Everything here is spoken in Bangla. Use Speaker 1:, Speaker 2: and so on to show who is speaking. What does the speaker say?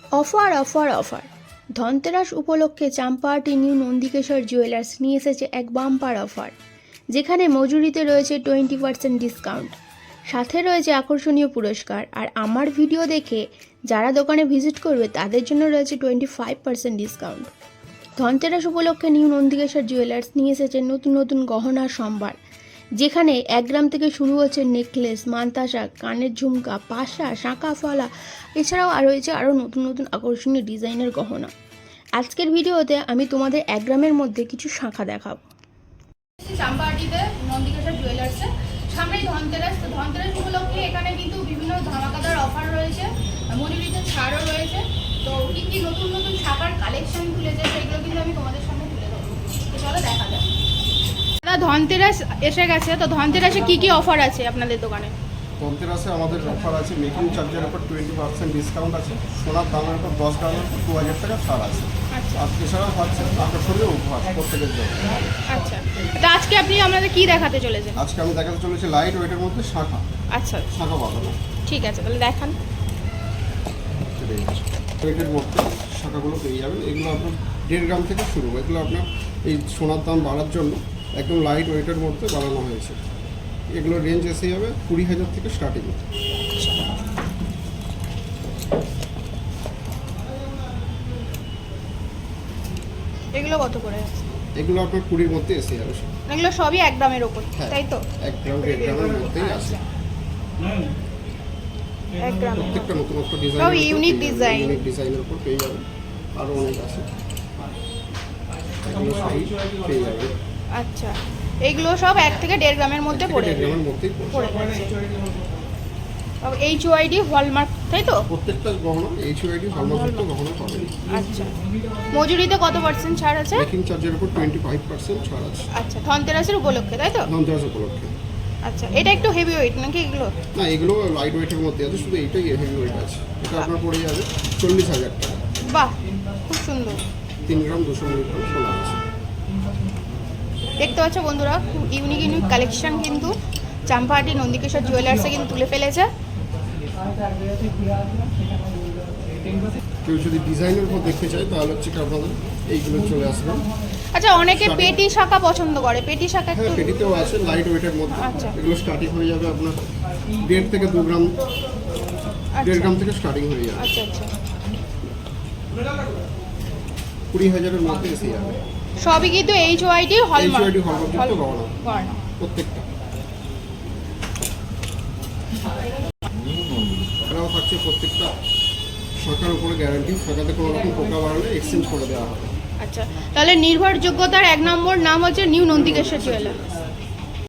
Speaker 1: অফার অফার অফার ধনতেরাস উপলক্ষে চাম্পাহাটি নিউ নন্দিকেশ্বর জুয়েলার্স নিয়ে এসেছে এক বাম্পার অফার, যেখানে মজুরিতে রয়েছে 20% ডিসকাউন্ট, সাথে রয়েছে আকর্ষণীয় পুরস্কার। আর আমার ভিডিও দেখে যারা দোকানে ভিজিট করবে তাদের জন্য রয়েছে 25% ডিসকাউন্ট। ধনতেরাস উপলক্ষে নিউ নন্দিকেশ্বর জুয়েলার্স নিয়ে এসেছে নতুন নতুন গহনার সম্ভার, যেখানে 1 গ্রাম থেকে শুরু হচ্ছে নেকলেস, মান্তাসা, কানের ঝুমকা, পাশা, শাঁখা ফলা, এছাড়াও রয়েছে আরও নতুন নতুন আকর্ষণীয় ডিজাইনের গহনা। আজকের ভিডিওতে আমি তোমাদের 1 গ্রামের মধ্যে কিছু শাঁখা দেখাবো।
Speaker 2: চাম্পাহাটিতে নন্দিকেশ্বর জুয়েলার্সে সামনেই ধনতেরাস, তো ধনতেরাস উপলক্ষে এখানে কিন্তু বিভিন্ন ধামাকাদার অফার রয়েছে, মজুরিতে ছাড়ও রয়েছে। তো কী কী নতুন নতুন শাখার কালেকশন তুলেছে সেগুলো কিন্তু আমি তোমাদের সামনে তুলে দেবো। তো চলো দেখা যাক। দাদা, ধনতেরাস এসে গেছে, তো ধনতেরাসে কী কী অফার আছে আপনাদের দোকানে?
Speaker 3: ধনতেরাসে আমাদের অফার আছে, মেকিং চার্জের উপর 20% ডিসকাউন্ট আছে, সোনার দামের উপর 10 গ্রামের উপর 2000 টাকা ছাড় আছে।
Speaker 2: আচ্ছা,
Speaker 3: আর এছাড়াও হচ্ছে আকর্ষণীয় উপহার প্রত্যেকের জন্য।
Speaker 2: আচ্ছা, তো আজকে আপনি আমাদের কী দেখাতে চলেছেন?
Speaker 3: আজকে আমি দেখাতে চলেছি লাইট ওয়েটের মধ্যে শাঁখা।
Speaker 2: আচ্ছা,
Speaker 3: শাঁখা বাঁধানো,
Speaker 2: ঠিক আছে, তাহলে দেখান।
Speaker 3: ওয়েটের মধ্যে শাঁখাগুলো পেয়ে যাবেন। এগুলো আপনার 1.5 গ্রাম থেকে শুরু। এগুলো আপনার এই সোনার দাম বাড়ার জন্য একদম লাইট ওয়েটের মধ্যে বানানো হয়েছে। এগুলো রেঞ্জ এসে যাবে 20,000 থেকে স্টার্টিং।
Speaker 2: এগুলো কত করে আছে?
Speaker 3: এগুলো আপনার 20-র মধ্যে এসে যাবে।
Speaker 2: এগুলো সবই 1 গ্রামের ওপর, তাই তো?
Speaker 3: 1 গ্রাম 1.5 গ্রামের মধ্যেই আছে।
Speaker 2: 1 গ্রাম,
Speaker 3: প্রত্যেকটা নতুন ডিজাইন,
Speaker 2: সব ইউনিক ডিজাইন,
Speaker 3: ইউনিক ডিজাইনের উপর পেয়ে যাবেন। আরও অনেক আছে, এগুলো সবই পেয়ে যাবেন।
Speaker 2: আচ্ছা, এইগুলো সব 1 থেকে 1.5 গ্রামের মধ্যে পড়ে
Speaker 3: 1.5 গ্রামের মধ্যেই
Speaker 2: পড়ে যাচ্ছে। HYD হলমার্ক, তাই তো?
Speaker 3: প্রত্যেকটা গহনা HYD হলমার্কযুক্ত গহনা পাবেন।
Speaker 2: আচ্ছা, মজুরিতে কত % ছাড় আছে?
Speaker 3: মেকিং চার্জের উপর 25% ছাড় আছে।
Speaker 2: আচ্ছা, ধনতেরাসের উপলক্ষে, তাই তো?
Speaker 3: ধনতেরাস উপলক্ষে।
Speaker 2: আচ্ছা, এটা একটু হেভি ওয়েট নাকি এগুলো?
Speaker 3: না, এগুলো লাইট ওয়েটের মধ্যে আছে, শুধু এইটাই হেভি ওয়েট আছে। এটা আপনার পড়ে যাবে 40,000 টাকা।
Speaker 2: বাহ, খুব সুন্দর।
Speaker 3: 3 গ্রাম 200 মিলিগ্রাম সোনা আছে।
Speaker 2: দেখতে পাচ্ছ বন্ধুরা, খুব ইউনিক ইউনিক কালেকশন কিন্তু চাম্পাহাটি নন্দিকেশ্বর জুয়েলার্সে কিন্তু তুলে ফেলেছে।
Speaker 3: কেউ যদি ডিজাইনের উপর দেখতে চায় তাহলে হচ্ছে কি আপনাদের এইগুলো চলে আসবে।
Speaker 2: আচ্ছা, অনেকে পেটি শাখা পছন্দ করে, পেটি শাখা
Speaker 3: হ্যাঁ,
Speaker 2: একটু
Speaker 3: পেটিতেও আছে লাইট ওয়েটের মধ্যে।
Speaker 2: আচ্ছা।
Speaker 3: এগুলো স্টার্টিং হয়ে যাবে আপনার 1.5 থেকে 2 গ্রাম, 1.5 গ্রাম থেকে স্টার্টিং হয়ে যাবে।
Speaker 2: আচ্ছা আচ্ছা,
Speaker 3: 20,000-এর মধ্যে এসে যাবে।
Speaker 2: সবই কিন্তু HYD হলমার্ক,
Speaker 3: HYD হলমার্কযুক্ত গহনা প্রত্যেকটা। এরাও থাকছে প্রত্যেকটা শাখার উপরে গ্যারান্টি, শাখাতে কোনো রকম পোকা বাড়ালে এক্সচেঞ্জ করে দেওয়া হবে।
Speaker 2: আচ্ছা, তাহলে নির্ভরযোগ্যতার 1 নম্বর নাম হচ্ছে নিউ নন্দিকেশ্বর জুয়েলার্স।